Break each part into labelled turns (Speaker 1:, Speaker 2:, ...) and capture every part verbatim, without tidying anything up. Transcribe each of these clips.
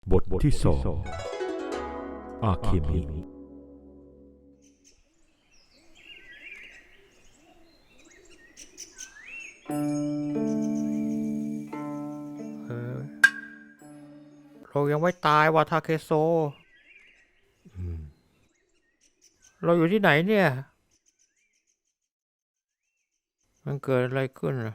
Speaker 1: บทที่สองอาเคมิ
Speaker 2: เออเรายังไม่ตายว่ะทาเคโซเราอยู่ที่ไหนเนี่ยมันเกิดอะไรขึ้นอ่ะ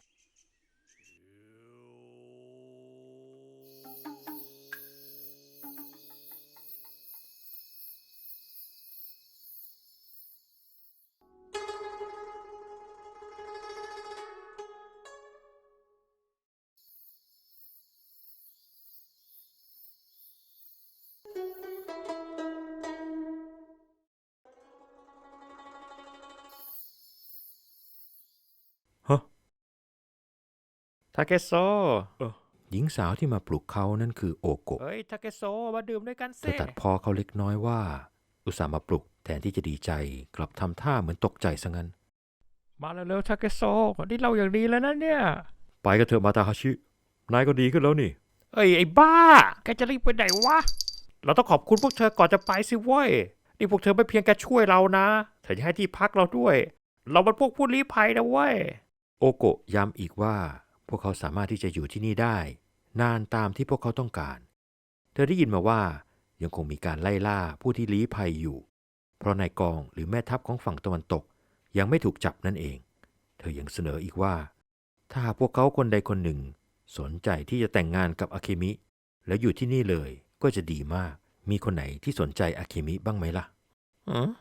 Speaker 1: ฮะ
Speaker 2: ทาเคโซ
Speaker 3: หญิงสาวที่มาปลุกเขานั่นคือโอโกะ
Speaker 2: เฮ้ยทาเคโซมาดื่มด้วยกัน
Speaker 3: เธ
Speaker 2: สิ
Speaker 3: อตัดพ้อเขาเล็กน้อยว่า อุตส่าห์มาปลุกแทนที่จะดีใจกลับทำท่าเหมือนตกใจซะงั้น
Speaker 2: มาเร็วๆทาเคโซนี่เราอย่างดีแล้วนะเนี่ย
Speaker 1: ไปกันเถอะมาตาฮาชิ นายก็ดีขึ้นแล้วนี่
Speaker 2: เอ้ยไอ้บ้าแกจะรีบไปไหนวะเราต้องขอบคุณพวกเธอก่อนจะไปสิเว้ยนี่พวกเธอไม่เพียงแค่ช่วยเรานะเธอยังให้ที่พักเราด้วย เราเป็นพวกผู้ลี้ภัยนะเว้ย
Speaker 3: โอโกะย้ำอีกว่าพวกเขาสามารถที่จะอยู่ที่นี่ได้ นานตามที่พวกเขาต้องการ เธอได้ยินมาว่ายังคงมีการไล่ล่าผู้ที่ลี้ภัยอยู่ เพราะนายกองหรือแม่ทัพของฝั่งตะวันตกยังไม่ถูกจับนั่นเอง เธอยังเสนออีกว่า ถ้าหากพวกเขาคนใดคนหนึ่งสนใจที่จะแต่งงานกับอาเคมิแล้วอยู่ที่นี่เลยก็จะดีมาก มีคนไหนที่สนใจอาเคมิบ้างไหมล่ะ
Speaker 2: อืม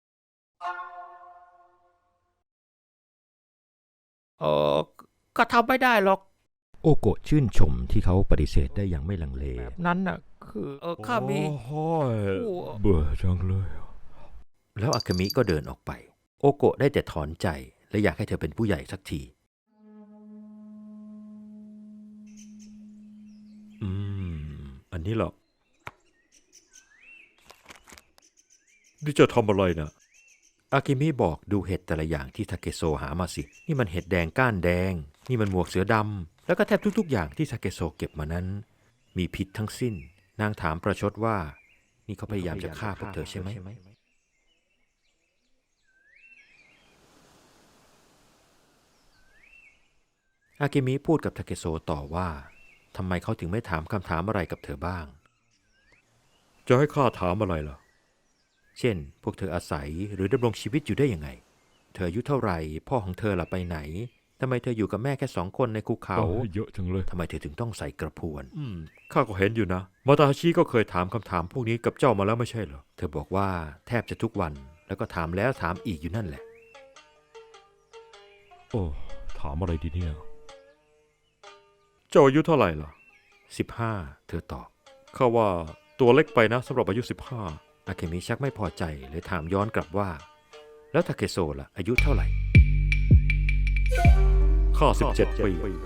Speaker 2: เออก็ทำไม่ได้หรอก
Speaker 3: โอโกะชื่นชมที่เขาปฏิเสธได้อย่างไม่ลังเล
Speaker 2: นั้นน่ะคือเออข้ามี
Speaker 1: โอ้ย
Speaker 2: ผู้
Speaker 1: เบื่อจังเลย
Speaker 3: แล้วอาเคมิก็เดินออกไป โอโกะได้แต่ถอนใจและอยากให้เธอเป็นผู้ใหญ่สักที
Speaker 1: อืม อันนี้เหรอนี่จะทำอะไรนะ
Speaker 3: อากิมิบอกดูเห็ดแต่ละอย่างที่ทาเกโซหามาสิ นี่มันเห็ดแดงก้านแดง นี่มันหมวกเสือดำ แล้วก็แทบทุกๆอย่างที่ทาเกโซเก็บมานั้น มีพิษทั้งสิ้น นางถามประชดว่า นี่เขาพยายามจะฆ่าพวกเธอใช่ไหม อากิมิพูดกับทาเกโซต่อว่าทำไมเขาถึงไม่ถามคำถามอะไรกับเธอบ้าง
Speaker 1: จะให้ข้าถามอะไรล่ะ
Speaker 3: เช่น พวกเธออาศัยหรือดำรงชีวิตอยู่ได้ยังไง เธออายุเท่าไหร่ พ่อของเธอล่ะไปไหน ทำไมเธออยู่กับแม่แค่สองคนในภูเขา
Speaker 1: โอ้ยเยอะจังเลย
Speaker 3: ทำไมเธอถึงต้องใส่กระพวน
Speaker 1: อืม ข้าก็เห็นอยู่นะ มาตาฮาชิก็เคยถามคำถามพวกนี้กับเจ้ามาแล้วไม่ใช่เหรอ
Speaker 3: เธอบอกว่าแทบจะทุกวัน แล้วก็ถามแล้วถามอีกอยู่นั่นแหละ
Speaker 1: โอ้ ถามอะไรดีเนี่ย เจ้าอายุเท่าไหร่ล่ะ
Speaker 3: สิบห้า เธอตอบ
Speaker 1: ข้าว่าตัวเล็กไปนะสำหรับอายุสิบห้า
Speaker 3: อาเคมิชักไม่พอใจเลยถามย้อนกลับว่า แล้วทาเคโซล่ะอายุเท่าไหร่
Speaker 1: ข้าสิบเจ็ดปี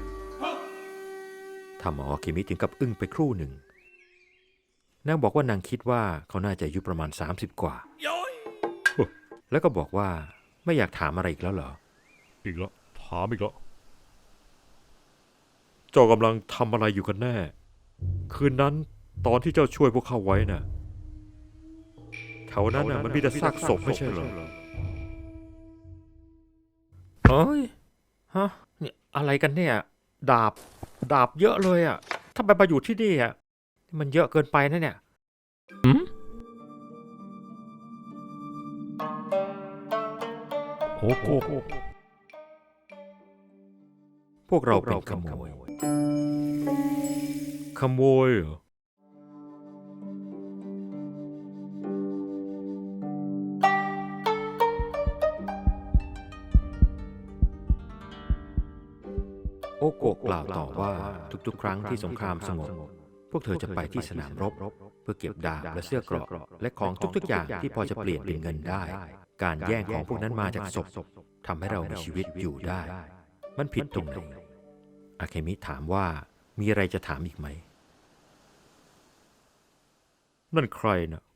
Speaker 3: ทำเอาอาเคมิถึงกับอึ้งไปครู่หนึ่ง นางบอกว่านางคิดว่าเขาน่าจะอายุประมาณสามสิบกว่า แล้วก็บอกว่าไม่อยากถามอะไรอีกแล้วเหรอ
Speaker 1: อีกแล้วถามอีกแล้วเจ้ากำลังทำอะไรอยู่กันแน่ คืนนั้นตอนที่เจ้าช่วยพวกเขาไว้น่ะแถวนั้นน่ะมันมีแต่ซากศพไม่ใช่เหรอ
Speaker 2: เฮ้ยฮะเนี่ยอะไรกันเนี่ย ดาบ ดาบเยอะเลยอ่ะทำไมมาอยู่ที่นี่อ่ะมันเยอะเกินไปนะเนี่ยอืม
Speaker 1: โอ้โห
Speaker 3: พวกเราเป็นขโมย
Speaker 1: ขโมยเหรอ
Speaker 3: โอโกะกล่าวต่อว่าทุกๆ ครั้งที่สงครามสงบ พวกเธอจะไปที่สนามรบ เพื่อเก็บดาบและเสื้อเกราะและของทุกๆ อย่างที่พอจะเปลี่ยนเป็นเงินได้ การแย่งของพวกนั้นมาจากศพทำให้เรามีชีวิตอยู่ได้ มันผิดตรงไหนอาเคมิถามว่ามีอะไรจะถามอีกไหม
Speaker 1: นั่นใครน่ะ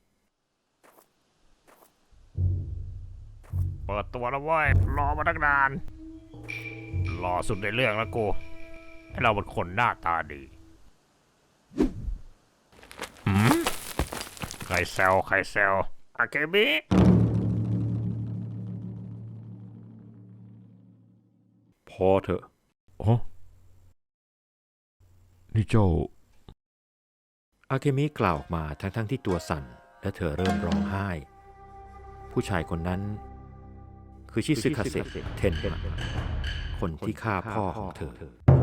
Speaker 2: เปิดตัวแล้วเว้ยรอมาตั้งนานรอสุดในเรื่องแล้วกูให้เราเป็นคนหน้าตาดีหืมใครแซวใครแซวอาเกมิ
Speaker 1: พอเถอะ
Speaker 4: อ๋อนี่เจ้า
Speaker 3: อาเกมิกล่าวออกมาทั้งๆที่ตัวสั่นและเธอเริ่มร้องไห้ ผู้ชายคนนั้น คือชิซึคาเซะเทนมะคนที่ฆ่าพ่อของเธอ